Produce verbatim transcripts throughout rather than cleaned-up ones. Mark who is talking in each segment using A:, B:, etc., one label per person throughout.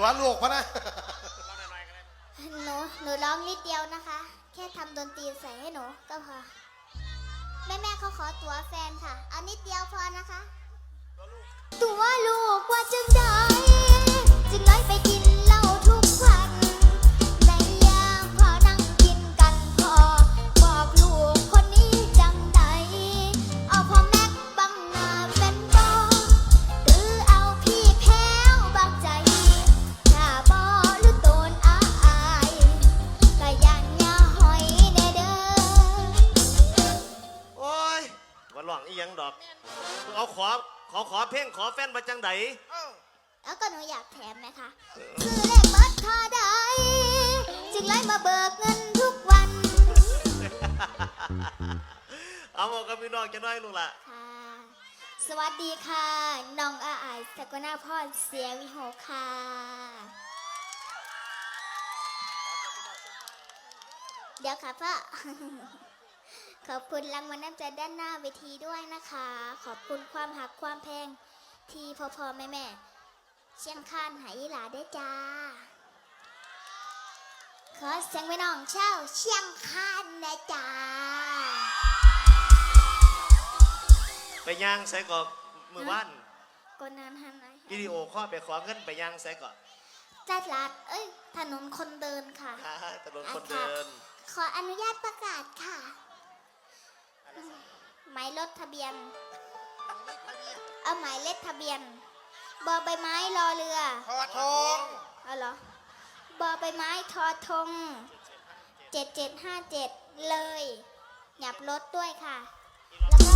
A: ตัวลูกพะนะ
B: หนูหนูร้องนิดเดียวนะคะ แค่ทำดนตรีใส่ให้หนูก็พอแม่แม่เขาขอตัวแฟนค่ะเอานิดเดียวพอนะคะตัวลูกว่าจึงได้จึงน้อยไปกินเหล้าทุกวันในยามพอนั่งกินกันพอบอกลูกคนนี้จังไหนเอาพ่อแม็กบังหน้าเป็นบอหรือเอาพี่แพ้วบังใจถ้าบอหรือโดนอาอายก็ยันอย่าหอยแน่เด้อ
C: โอ้ยว่าหลวงอีหยังดอกเอาขอขอขอเพลงขอแฟนมาจังได
B: แล้วก็หนูอยากแถมไหมคะคือเลขบัตรทอได้จึงไล่มาเบิกเงินทุกวัน
C: เอาบอกกับพี่น้องจะน้อยลูกละ
B: ค่ะสวัสดีค่ะน้องอาอายสกลนาพรเสียวิโหค่ะเดี๋ยวค่ะพ่อขอบคุณรางวัลน้ำใจด้านหน้าเวทีด้วยนะคะขอบคุณความหักความแพงที่พ่อพ่อแม่แม่เชียงคานหายหลาได้จ้าขอเสียงไปน้องเช่าเชียงคานนะจ้า
C: ไปย่างใส่ก่อนมือวัน
B: ก่อนนั้นฮันไหน
C: วิดีโอข้อไปขอเงินไปย่างใส่ก่อน
B: ตลาดเอ้ยถนนคนเดินค่ะ
C: ถนนคนเดิน
B: ขออนุญาตประกาศค่ะหมายรถทะเบียนเอาหมายเลขทะเบียนบอใบไม้รอเรือ
A: ทอทง
B: เอาเหรอบอใบไม้ทอทงเจ็ดเจ็ดห้าเจ็ดเลยหยับรถด้วยค่ะแล้วก็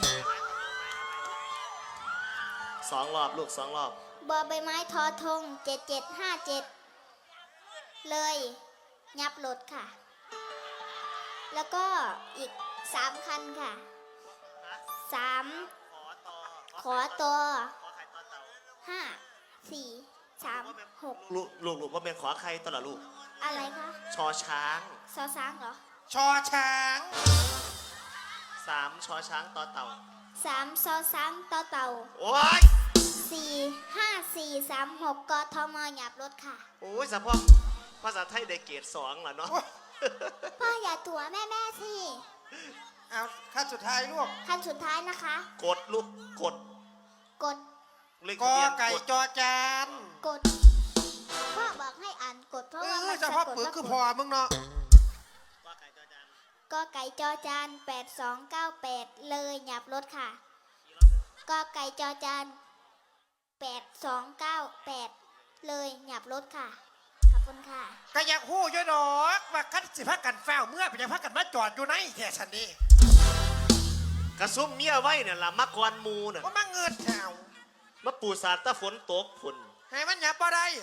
C: สองรอบลูกสองรอ
B: บบอใบไม้ทอทงเจ็ดเจ็ดห้าเจ็ดเลยหยับรถค่ะแล้วก็อีกสามคันค่ะสามขอตัวห้าสี่สามหก
C: ลูกลูกลูกว่าเป็นขอใครตลอดลูก
B: อะไรคะ
C: ชอช้าง
B: ชอช้างเหรอ
A: ชอช้าง
C: สามชอช้างต่อเต่า
B: สามชอช้างต่อเต่า
C: โอ้ย
B: สี่ห้าสี่สามหกกทมหยับรถค่ะ
C: โอ้ยสะพอกภาษาไทยได้เกรดสองเหรอเนาะ
B: พ่ออย่าตัวแม่แม่สิ
A: เอาขั้นสุดท้ายลูก
B: ขั้นสุดท้ายนะคะ
C: กดลูกกด
B: กด
A: กอไก่จอจาน
B: กดพ่อบอกให้อ่านกดเพราะว่า
A: มันจะพ่อปืนคือพอมึงเนาะ
B: กอไก่จอจานกอไก่จอจานแปดสองเก้าแปดเลยหยับรถค่ะกอไก่จอจานแปดสองเก้าแปดเลยหยับรถค่ะขอบคุณค่ะ
A: ก็อยากหู้ย่อยดอกว่าคัดสิพักกันแฝงเมื่อเป็นยังพักกันมาจอดอยู่ในแค่ฉันนี่
C: กระซุ่มเมียไว้เนี่ยละมักวันมูน่ะ
A: ว่ามาเงินแถว
C: มาปูสาดตะฝนตกฝน
A: ให้มันหยับบ่ได้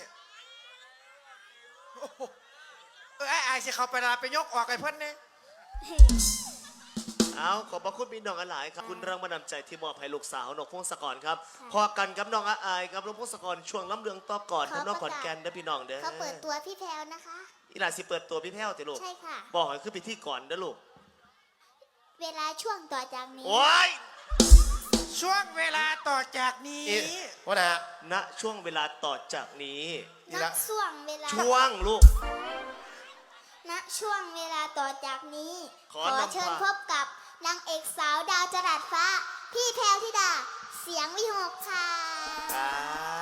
A: เออไอ้ไอ้สิเขาไปลาไปยกออกไอ้เพิ่นเนี่ย
C: เอาขอบพระคุณพี่น้องหลายครับคุณรางวัลนำใจที่มอบให้ลูกสาวนกพงศกรครับพอกันกับน้องอาอายกับน้องพงศกรช่วงล้ำเรืองต่อก่อนทำน้องขอนแก่นเด้อพี่น้องเด้อ
B: เขาเปิดตัวพี่แพลวนะคะ
C: อีหลาสิเปิดตัวพี่แพลวติลูก
B: ใช่ค่ะ
C: บอกให้ขึ้นไปที่ก่อนเด้อลูก
B: เวลาช่วงต่อจากนี้
C: โอ้ย
A: ช่วงเวลาต่อจากนี้
C: ว่าไงณช่วงเวลาต่อจากนี้
B: ณช่วงเวลา
C: ช่วงลูก
B: ณช่วงเวลาต่อจากนี้
C: ขอ
B: เชิญพบกับนางเอกสาวดาวจรัสฟ้าพี่แพรวธิดาเสียงวิหกค่ะ